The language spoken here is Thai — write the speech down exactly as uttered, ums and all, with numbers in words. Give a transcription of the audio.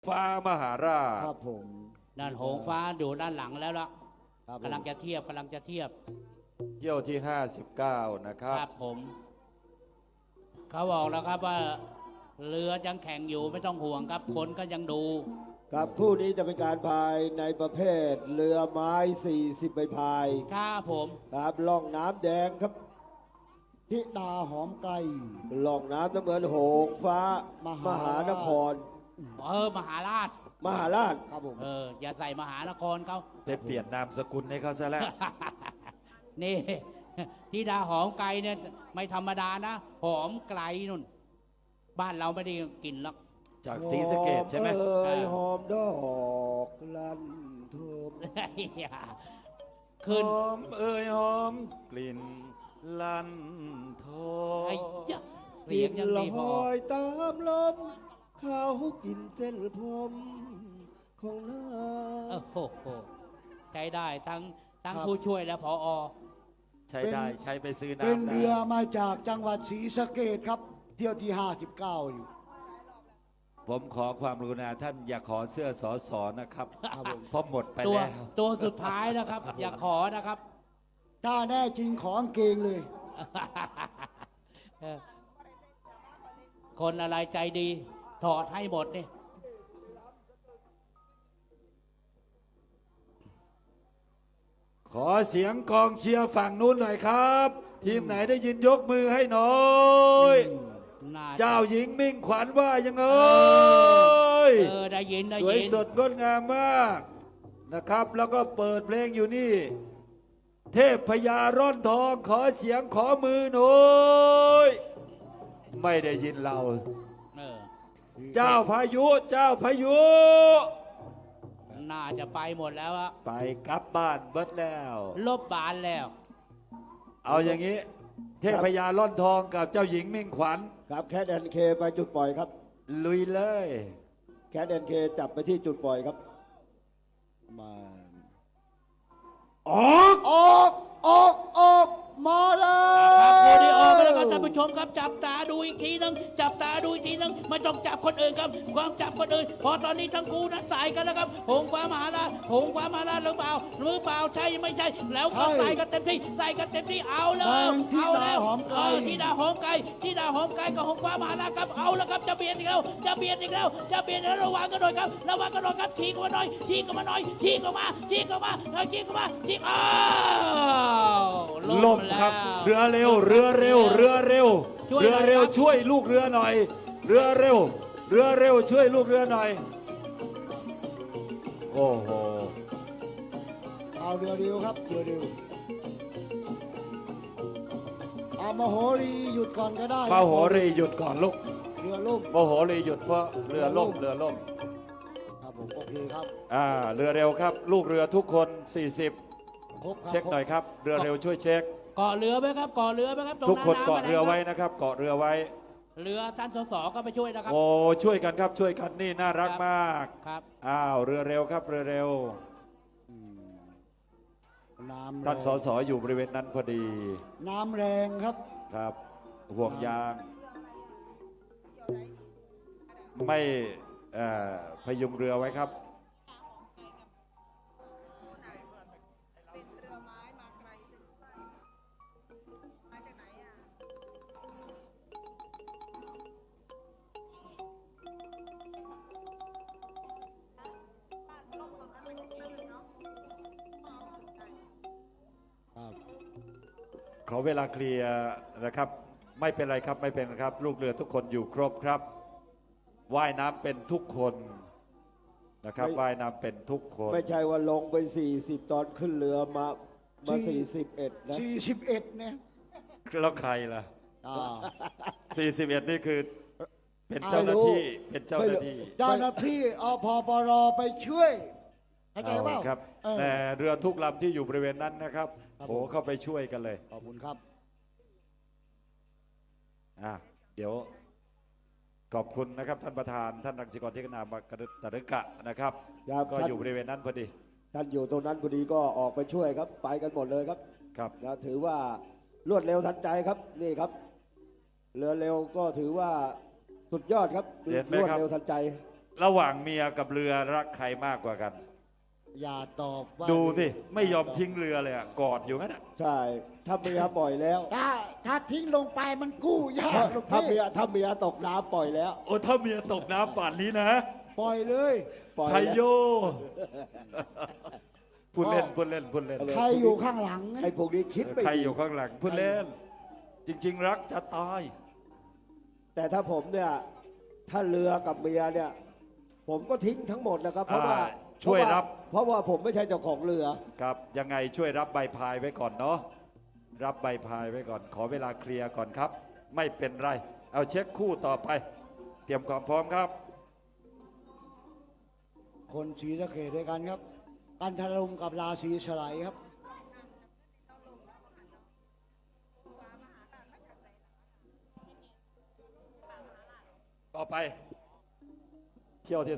ฟ้ามหาราชครับผมด้านหงฟ้าอยู่ด้านหลังแล้วล่ะกำลังจะเทียบกำลังจะเทียบเที่ยวที่ห้าสิบเก้านะครับครับผมเขาบอกแล้วครับว่าเรือยังแข่งอยู่ไม่ต้องห่วงครับคนก็ยังดูครับคู่นี้จะเป็นการพายในประเภทเรือไม้สี่สิบใบพายครับผมครับล่องน้ำแดงครับทิดาหอมไกลล่องน้ำน้ำเงินหงฟ้ามหานครเออมหาราชมหาราชครับผมเอออย่าใส่มหานครเขาไปเปลี่ยนนามสกุลให้เขาซะแล้วนี่ทิดาหอมไกลเนี่ยไม่ธรรมดานะหอมไกลนุ่นบ้านเราไม่ได้กินหรอกจากศรีสะเกษใช่ไหมเอ้ยหอมดอกลั่นทุ่มขึ้นหอมเอ้ยหอมกลิ่นลั่นโทเสียงยังลดีพออยตามลมเขากินเส้นผมของน้าโอ้โหใช้ได้ทั้งทั้งผู้ช่วยและผอใช้ได้ใช้ไปซื้อน้ำเป็นเรือมาจากจังหวัดศรีสะเกษครับเที่ยวที่ห้าสิบเก้าอยู่ผมขอความกรุณาท่านอย่าขอเสื้อสอสอนะครับเพราะหมดไปแล้วตัวสุดท้ายนะครับ อย่าขอนะครับถ้าแน่จริงขอเกงเลยคนอะไรใจดีถอดให้หมดนี่ขอเสียงกองเชียร์ฝั่งนู้นหน่อยครับ ทีมไหนได้ยินยกมือให้หน่อยเจ้าหญิงมิ่งขวัญว่ายังไงเออได้ยินได้ยินสวยสดงดงามมากนะครับแล้วก็เปิดเพลงอยู่นี่เทพพญาร่อนทองขอเสียงขอมือหน่อยไม่ได้ยินเราเจ้าพายุเจ้าพายุน่าจะไปหมดแล้วอะไปกลับบ้านเบิดแล้วลบบานแล้วเอาอย่างนี้เทพพญาร่อนทองกับเจ้าหญิงมิ่งขวัญครับแคทแอนเคไปจุดปล่อยครับลุยเลยแคทแอนเคจับไปที่จุดปล่อยครับมาออกออกออกออกมาแล้วครับโมดีออกไปแล้วครับท่านผู้ชมครับจับตาดูอีกทีนึงจับตาดูอีกทีนึงไม่ต้องจับคนอื่นครับความจับคนอื่นพอตอนนี้ทั้งคู่นั้นสายกันแล้วครับหงฟ้ามหาราชหงฟ้ามหาราชหรือเปล่าหรือเปล่าใช่ไม่ใช่แล้วก็ใส่กันเต็มที่ใส่กันเต็มที่เอาแล้วเอาแล้วเออที่ดาหอมไก่ที่ดาหอมไก่กับหงฟ้ามหาราชครับเอาแล้วครับจะเบียดอีกแล้วจะเบียดอีกแล้วจะเบียดแล้วระวังกันหน่อยครับระวังกันหน่อยครับชี้กันมาหน่อยชี้กันมาหน่อยชี้กันมาชี้กันมาแล้วชี้กันมาชี้อ้าวลมครับเรือเร็วเรือเร็วเรือเร็วเรือเร็วช่วยลูกเรือหน่อยเรือเร็วเรือเร็วช่วยลูกเรือหน่อยโอ้โหเอาเรือเร็วครับเรือเร็วเอามโหรีหยุดก่อนก็ได้มโหรีหยุดก่อนลูกเรือล่มมโหรีหยุดเพราะเรือล่มเรือล่มครับผมโอเคครับอ่าเรือเร็วครับลูกเรือทุกคนสี่สิบเช็คหน่อยครับเรือเร็วช่วยเช็คเกาะเรือไหมครับเกาะเรือไหมครับทุกคนเกาะเรือไว้นะครับเกาะเรือไว้เรือท่านสสก็ไปช่วยนะครับโอ้ช่วยกันครับช่วยกันนี่น่ารักมากครับอ้าวเรือเร็วครับเรือเร็วท่านสสอยู่บริเวณนั้นพอดีน้ำแรงครับครับห่วงยางไม่พยุงเรือไว้ครับขอเวลาเคลียร์นะครับไม่เป็นไรครับไม่เป็นครับลูกเรือทุกคนอยู่ครบครับว่ายน้ำเป็นทุกคนนะครับว่ายน้ำเป็นทุกคนไม่ใช่ว่าลงไปสี่สิบตอนขึ้นเรือมามาสี่สิบเอ็ดนะสี่สิบเอ็ดเนี่ยแล้วใครล่ะสี่สิบเอ็ดนี่คือเป็นเจ้าหน้าที่เป็นเจ้าหน้าที่เจ้าหน้าที่อพปรไปช่วยเข้าใจเปล่าครับแต่เรือทุกลำที่อยู่บริเวณนั้นนะครับโผล่เข้าไปช่วยกันเลยขอบคุณครับอ่ะเดี๋ยวขอบคุณนะครับท่านประธานท่านรังสิกรที่กนามากระตรึกะนะครับก็อยู่บริเวณนั้นพอดีท่านอยู่ตรงนั้นพอดีก็ออกไปช่วยครับไปกันหมดเลยครับครับนะถือว่ารวดเร็วทันใจครับนี่ครับเรือเร็วก็ถือว่าสุดยอดครับรวดเร็วทันใจระหว่างเมียกับเรือรักใครมากกว่ากันอย่าตอบว่าดูสิ ไม่ยอมทิ้งเรือเลยอะกอดอยู่งั้นอะใช่ ถ้าเมียปล่อยแล้วถ้าถ้าทิ้งลงไปมันกู้ยาถ้ากลูกถ้าพี่เมียถ้าเมียตกน้ำปล่อยแล้วโอ้ถ้าเมียตกน้ำป่านนี้นะปล่อยเลยปล่อยชัยแล้วโยพูดเล่นพูดเล่นพูดเล่นใครอยู่ข้างหลังไอ้พวกนี้คิดไม่ใครดีอยู่ข้างหลังพูดเล่น จริง ๆ รักจะตายแต่ถ้าผมเนี่ย ถ้าเรือกับเมียเนี่ย ผมก็ทิ้งทั้งหมดนะครับ เพราะว่าอ่าช่วยรับเพราะว่าผมไม่ใช่เจ้าของเรือครับยังไงช่วยรับใบพายไว้ก่อนเนาะรับใบพายไว้ก่อน ขอเวลาเคลียร์ก่อนครับ ไม่เป็นไร เอาเช็คคู่ต่อไป เตรียมความพร้อมครับคนศรีสะเกดด้วยกันครับกันทลุงกับราศีสไลด์ครับต่อไป เที่ยวที่